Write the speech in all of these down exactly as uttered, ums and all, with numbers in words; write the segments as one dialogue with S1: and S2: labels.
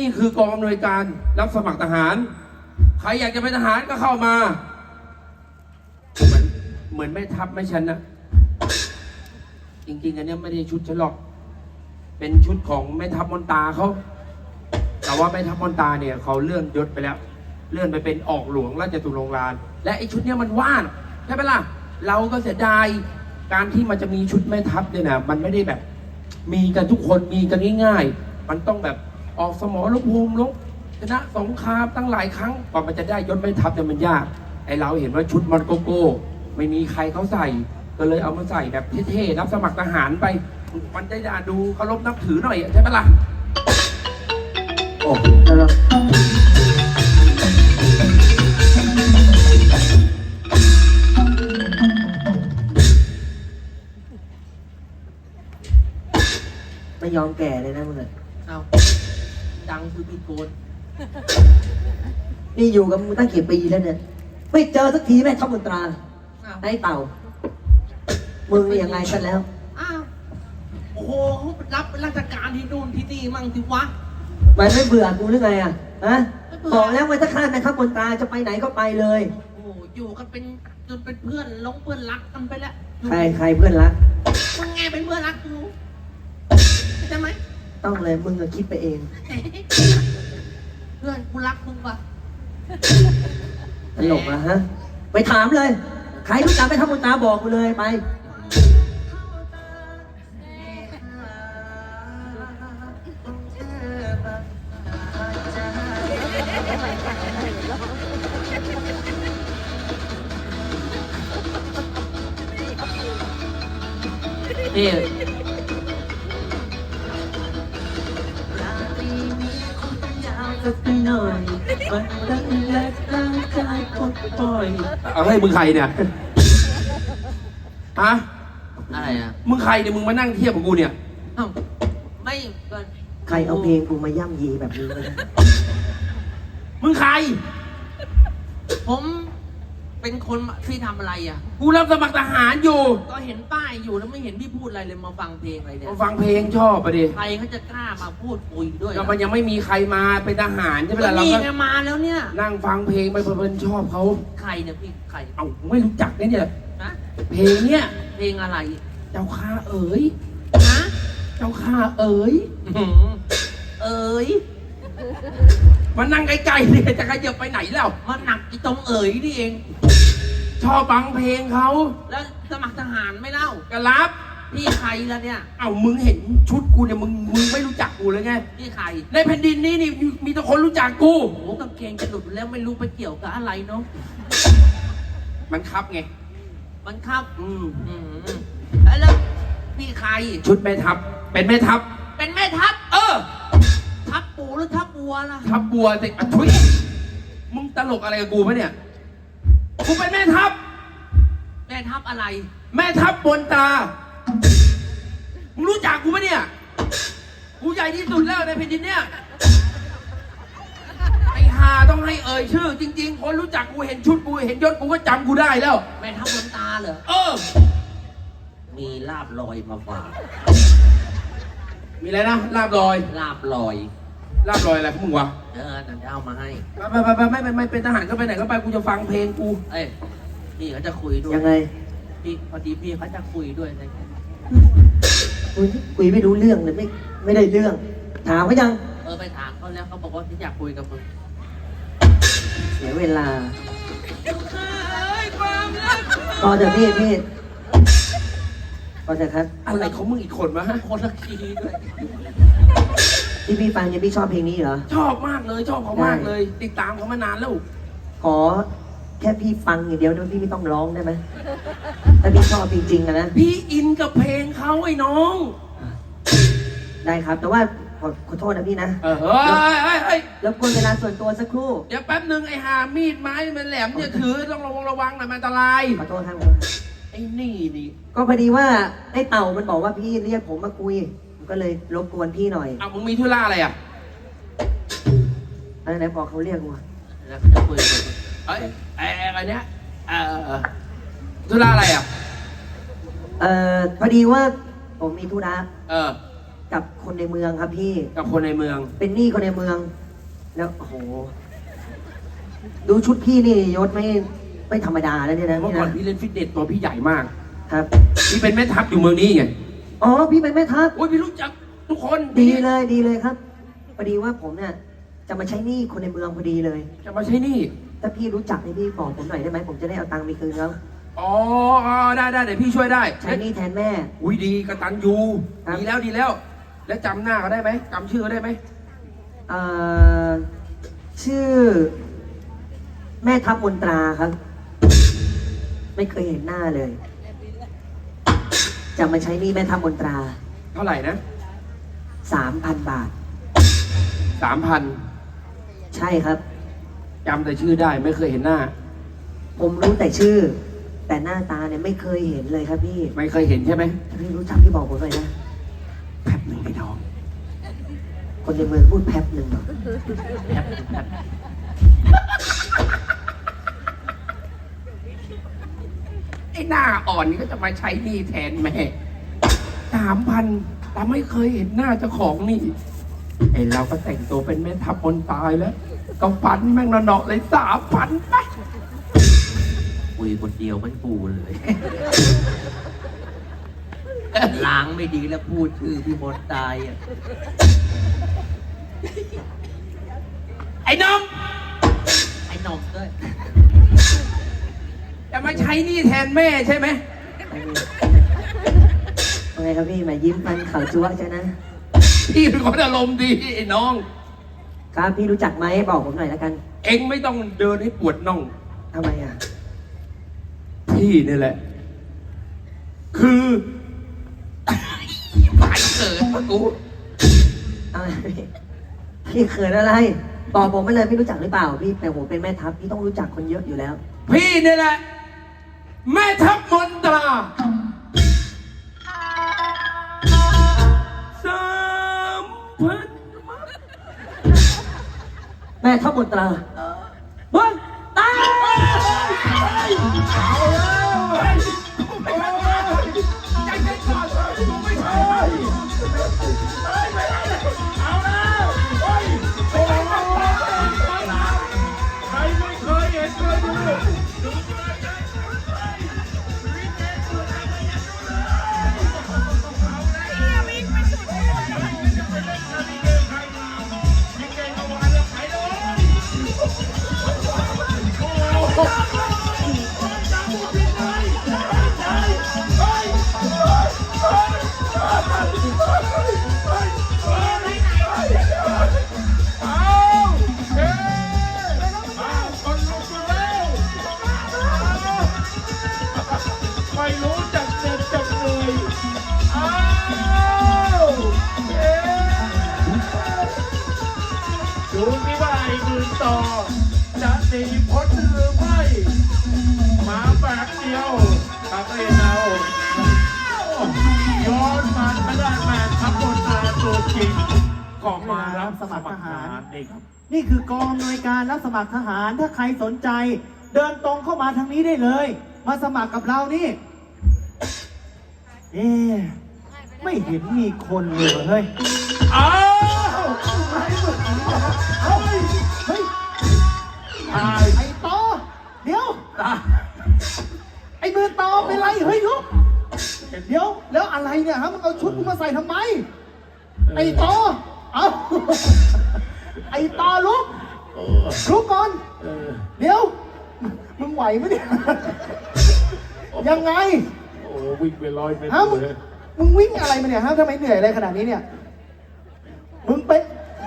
S1: นี่คือกองอำนวยการรับสมัครทหารใครอยากจะเป็นทหารก็เข้ามาเหมือนเหมือนแม่ทัพไม่ฉันนะจริงๆอันนี้ไม่ได้ชุดฉันหรอกเป็นชุดของแม่ทัพมนตาเขาแต่ว่าแม่ทัพมนตาเนี่ยเขาเลื่อนยศไปแล้วเลื่อนไปเป็นออกหลวงราชตุลงกานและไอ้ชุดเนี้ยมันว่างใช่ไหมล่ะเราก็เสียดายการที่มันจะมีชุดแม่ทัพเนี่ยนะมันไม่ได้แบบมีกันทุกคนมีกันง่ายๆมันต้องแบบออกสมรภูมิลบชนะสงครามตั้งหลายครั้งกว่ามันจะได้ยศแม่ทัพเนี่ยมันยากไอ้เราเห็นว่าชุดมันโกโก้ไม่มีใครเขาใส่ก็เลยเอามาใส่แบบเท่ๆรับสมัครทหารไปมันจะดูเคารพนับถือหน่อยใช่ไหมล่ะโอ้
S2: ไม่ยอมแก่เลยนะมึงเอา
S3: ดังคือพี่โกน
S2: นี่อยู่กับมึงตั้งกี่ปีแล้วเนี่ยไม่เจอสักทีแม่ทัพมนตราไอ้เต่ามึงนี่ยังไงกันแล้ว
S3: อ้าวโอ้โหรับราชการที่นู่นที่นี่มั่งที่วะ
S2: มันไม่เบื่อกูหรือไงอ่ะฮะบอกแล้วว่าถ้าข้าแม่ทัพมนตราจะไปไหนก็ไปเลย
S3: โอ้อยู่กันเป็นจนเป็นเพื่อนลงเพื่อนรักกันไปแล้ว
S2: ใครใครเพื่อนรัก
S3: มึงไงเป็นเพื่อนรักกูใช่ไหม
S2: ต้องเลยมึงก็คิดไปเอง
S3: เพื่อนกูรักมึงว่ะ
S2: ตลกอะฮะไปถามเลยใครรู้จักไปทัพมนตราบอกกูเลยไป
S3: นี่
S2: สักหน่อยมันตั้งแรกตั้งใจปลดปล่อย
S1: เอาให้มึงใครเนี่ยฮะ
S3: อะไรอ่ะ
S1: มึงใครเนี่ยมึงมานั่งเทียบกับกูเนี่ย
S3: อ้าวไม่
S2: ใครเอาเพลงกูมาย่ำยีแบบนี้เลย
S1: มึงใคร
S3: ผมเป็นคนที่ทำอะไรอ่ะ
S1: กูรับสมัครทหารอยู่
S3: ก็เห็นป้ายอยู่แล้วไม่เห็นพี่พูดอะไรเลยมาฟังเพลงอะไรเนี่ย
S1: มาฟังเพลงชอบปะดิ
S3: ใครเขาจะกล้ามาพูดคุยด้วย
S1: ก็มันยังไม่มีใครมาเป็นทหารใช่ไหมล่ะ
S3: เราก็มาแล้วเนี่ย
S1: นั่งฟังเพลงไปเพลินชอบเขา
S3: ใครเนี่ยพี่ใคร
S1: เอ้าไม่รู้จักเนี่ยเนี่ยเพลงเนี่ย
S3: เพลงอะไร
S1: เจ้าข้าเอ๋ย
S3: ฮะ
S1: เจ้าข้าเอ๋ย
S3: เอ๋ย
S1: มานั่งใกล้ๆเนี่ยจะขยับไปไหนแล้ว
S3: มันหนักอีตรงเอ๋ยนี่เอง
S1: ชอบฟังเพลงเขา
S3: แล้วสมัครทหารไม่เล่า
S1: ก็รับ
S3: พี่ใครล่ะเนี่ย
S1: เอ้ามึงเห็นชุดกูเนี่ยมึงมึงไม่รู้จักกูเลยไง
S3: พี่ใคร
S1: ในแผ่นดินนี้นี่มีแต่คนรู้จักกู
S3: โอ้กางเกงจะหลุดแล้วไม่รู้ไปเกี่ยวกับอะไรเนาะ
S1: มันคับไง
S3: มันคับ
S1: อืม
S3: อืมแล้วพี่ใคร
S1: ชุดแม่ทัพเป็นแม่ทัพ
S3: เป็นแม่ทัพ
S1: เออ
S3: ทัพปูหรือทัพบัวล่ะ
S1: ทัพบัวสิอ่ะทุยมึงตลกอะไรกับกูปะเนี่ยกูเป็นแม่ทัพ
S3: แม่ทัพอะไร
S1: แม่ทัพบนตามึงรู้จักกูปะเนี่ยกูใหญ่ที่สุดแล้วในแผ่นดินเนี่ยไอ้ห่าต้องให้เอ่ยชื่อจริงๆคนรู้จักกูเห็นชุดกูเห็นยศกูก็จำกูได้แล้ว
S3: แม่ทัพบนตาเหรอ
S1: เออ
S3: มีลาบลอยมาฝาก
S1: มีอะไรนะลาบลอย
S3: ลาบลอย
S1: ลาบลอยอะไรพวกมึงวะ
S3: เออเดี๋ยวจะเอามาให้
S1: ไปไปไปไม่ไม่ไม่เป็นทหารก็ไปไหนก็ไปกูจะฟังเพลงกู
S3: เอ้ยพี่เขาจะคุยด้วย
S2: ยังไง
S3: พี่พอดีพี่เขาจะคุยด้วยอะไร
S2: คุยคุยไม่รู้เรื่องเลยไม่ไม่ได้เรื่องถามเขายัง
S3: เออไปถามเขาแล้วเขาบอกว่าที่อยากคุยกับมึง
S2: เสียเวลาพอเถอะพี่พี่พอเถอะครับ
S1: อะไรของมึงอีกคนวะฮะ
S3: คนละคีย์ด้วย
S2: ที่พี่ฟังยังพี่ชอบเพลงนี้เหรอ
S1: ชอบมากเลยชอบเขามากเลย ติดตามเขามานานแล้ว
S2: ขอแค่พี่ฟังอย่างเดียวนะพี่ไม่ต้องร้องได้ไหมถ้าพี่ชอบจริงๆนะ
S1: พี่อินกับเพลงเขาไอ้น้อง
S2: ได้ครับแต่ว่าขอขอโทษนะพี่นะ
S1: เออเฮ้ยเฮ้ยเฮ้ย
S2: แล้วกวนเวลาส่วนตัวสักครู่
S1: เดี๋ยวแป๊บนึงไอ้หามีดไม้มันแหลมเนี่ยถือต้องระวังระวังหน่อยมันอันตราย
S2: ขอโทษครับ
S1: ไอ้นี่นี่
S2: ก็พอดีว่าไอ้เต่ามันบอกว่าพี่เรียกผมมาคุยก็เลยรบกวนพี่หน่อย
S1: อ้าวมึงมีธุระอะไรอ่ะ
S2: อะไรไหนบอกเขาเรียกกู
S3: แล้วจะคุยกัน
S1: เอ้ยไอ้ไอ้เนี้ยเออธุระอะไรอ่ะ
S2: เอ่อพอดีว่าผมมีธุระ
S1: เออ
S2: กับคนในเมืองครับพี่
S1: กับคนในเมือง
S2: เป็นหนี้คนในเมือง แล้วโอ้โห ดูชุดพี่นี่ยศไม่ไม่ธรรมดาแล้วเนี่ยนะ
S1: เมื่อ
S2: พี่
S1: ก่อน
S2: นะ
S1: พี่เล่นฟิตเนสตัวพี่ใหญ่มาก
S2: ครับ
S1: พี่เป็นแม่ทัพอยู่เมืองนี้ไง
S2: อ๋อพี่เป็นแม่ทัพ
S1: โอ้ยพี่รู้จักทุกคน
S2: ดีเลยดีเลยครับพอดีว่าผมเนี่ยจะมาใช้หนี้คนในเมืองพอดีเลย
S1: จะมาใช้หนี่
S2: ถ้าพี่รู้จักให้พี่บอกผมหน่อยได้ไหมผมจะได้เอาตังค์ไปคืนเขา
S1: อ๋ออ๋อได้ได้เดี๋ยวพี่ช่วยได้
S2: ใช้หนี้แทนแม่
S1: อุ้ยดีกระตันยู
S2: ครับ
S1: ดีแล้วดีแล้ว แล้วจำหน้าเขาได้ไหมจำชื่อเขาได้ไหม
S2: เอ่อชื่อ แม่ทัพมนตราครับ ไม่เคยเห็นหน้าเลย จะมาใช้หนี้แม่ทัพมนตรา
S1: เท่าไหร่นะ
S2: สามพันบาท
S1: สามพัน
S2: ใช่ครับ
S1: จำแต่ชื่อได้ไม่เคยเห็นหน้า
S2: ผมรู้แต่ชื่อ แต่หน้าตาเนี่ยไม่เคยเห็นเลยครับพี่
S1: ไม่เคยเห็นใช่ไหม
S2: ถ้าพี่รู้จักพี่บอกผมหน่อยนะ
S1: แป๊บหนึ่งพี่น้อง
S2: คนในเมืองพูดแป๊บหนึ่งเหรอ
S1: แป๊บแป๊บไอ้หน้าอ่อนนี่ก็จะมาใช้หนี้แทนแม่สามพันแต่ไม่เคยเห็นหน้าเจ้าของนี่ไอ้เราก็แต่งตัวเป็นแม่ทัพคนตายแล้วก็ฟันแม่งเนาะๆเลยสามพันไป
S3: คุยคนเดียวไม่ปูเลย ล้างไม่ดีแล้วพูดชื่อพี่มดตายอ่ะ
S1: ไอ้น้อง
S3: ไอ้หนมด้วย
S1: จะมาใช้หนี้แทนแม่ใช่ไหม
S2: ว่าไงครับพี่มายิ้มฟันเขาจั๊วใช่นะ
S1: พี่เป็นคนอารมณ์ดีไอ้น้อง
S2: ครับพี่รู้จักไหมบอกผมหน่อยแล้วกัน
S1: เอ็งไม่ต้องเดินให้ปวดน่อง
S2: ทำไมอ่ะ
S1: พี่นี่แหละ คือหายเกิดปะกู
S2: อะไรพี่พี่เขินอะไรบอกผมไปเลยพี่รู้จักหรือเปล่า พี่แต่ผมเป็นแม่ทัพพี่ต้องรู้จักคนเยอะอยู่แล้ว
S1: พี่นี่แหละ แม่ทัพมนตราสามพัน
S2: แม่ทัพมนตราเฮ้ยตาย
S1: เอาแล้วเฮ้ยไม่ใช่ใจเย็นก่อนเลยไม่ใช่เฮ้ยไม่ได้เอาแล้วเฮ้ยโอ้โหใครไม่เคยเห็นเคยดูดูเลยนะลิเกสุดแล้วไม่อยากดูเลยเอาแล้วลิเกไม่สุดเลยจะไปเล่นลิเกใครมาลิเกเมื่อวานแล้วใครเลยโอ้โห ไม่รู้จักเจ็บจักเลยอ้าวเอ๊ดูนี่ว่าไอ้มือต่อจะหนีพ้นหรือไม่มาแบบเดียวตักเองเอาย้อนมาทางด้านแม่ทัพบนอาตัวจริงก็มารับสมัครทหารนี่ครับ
S4: นี่คือกองอำนวยการรับสมัครทหารถ้าใครสนใจ เดินตรงเข้ามาทางนี้ได้เลย มาสมัครกับเรานี่ เอ๊ะไม่เห็นมีคนเลยเฮ้ย
S1: อ้าว
S4: เฮ้ยเฮ้ย
S1: ตาย
S4: ไอ้ตอเดี๋ยว
S1: ตาย
S4: ไอ้มือตอเป็นไรเฮ้ยลุกเดี๋ยวแล้วอะไรเนี่ยฮะมึงเอาชุดมึงมาใส่ทำไม ไอ้ตอเอาไอ้ตอลุกลุกก่อน
S1: เออ
S4: เดี๋ยว มึงไหวไหมเนี่ย ยังไง
S1: โอ้วิ่งไปร้อยเมตร
S4: ฮะมึง
S1: เลย
S4: มึงวิ่งอะไรมาเนี่ยฮะทำไมเหนื่อยอะไรขนาดนี้เนี่ย มึงเป็น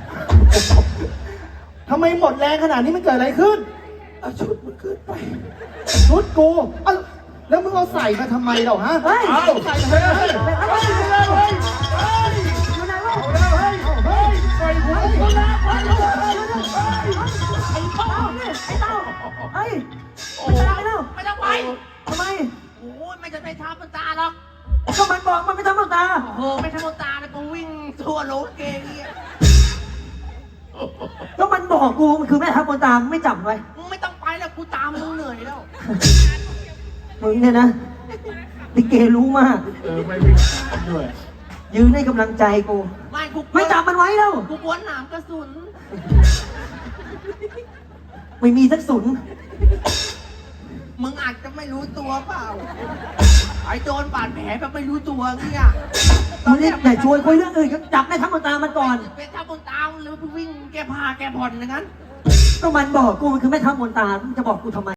S4: ทำไมหมดแรงขนาดนี้มันเกิดอะไรขึ้น
S1: เอาชุดมันขึ้นไป
S4: ชุดกูเอ้าแล้วมึงเอาใส่มาทำไมเราฮะ
S2: เฮ้ย
S1: เอา
S4: ใส่
S1: เฮ้
S4: มาย ทำไม
S1: เฮ้ยเฮ้ยเฮ้ยเฮ้ย
S2: อยู่ไหนวะ
S1: เอาแล้วเฮ้ยเฮ้ยไปหัวคนละไปเลยเฮ้ย
S2: ไอ้เต้าเนี่ยไอ้เต้าเฮ้ยไม่ตายแล้ว
S3: ไม่ต้องไป
S2: ทำไม
S3: โอ้ยไม่จะไปทำมันตาหรอก
S2: ก็มันบอกมันไม่ทำหน้าตา
S3: โอ้โหไม่ทำมันตาเลยกูวิ่งทั่วโลกเกย์เนี่ย
S2: ก็มันบอกกูมันคือแม่ทัพมนตรามึงไม่จับไว้
S3: มึงไม่ต้องไปแล้วกูตามมึงเหนื่อยแล้ว
S2: มึงเนี่ยนะลิเกรู้มาก
S1: เออไม่วิ่งด้วย
S2: ยืนให้กำลังใจกู
S3: ไม่กู
S2: ไม่จับมันไว้แล้ว
S3: กูกวนหนามกระสุน
S2: ไม่มีสักสุน
S3: มึงอาจจะไม่รู้ตัวเปล่า ไอ้โดนบาดแผลแบบไม่รู้ตัวเนี่ย
S2: มึงนี่อย่าชวนคุยเรื่องอื่นครับจับแม่ทัพมนตรามันก่อน
S3: เป็นทับบนตามหรือวิ่งแก้ผ้าแก้ผ่อนอย่างนั้น
S2: ก็มันบอกกูมันคือแม่ทัพมนตรามึงจะบอกกูทำไม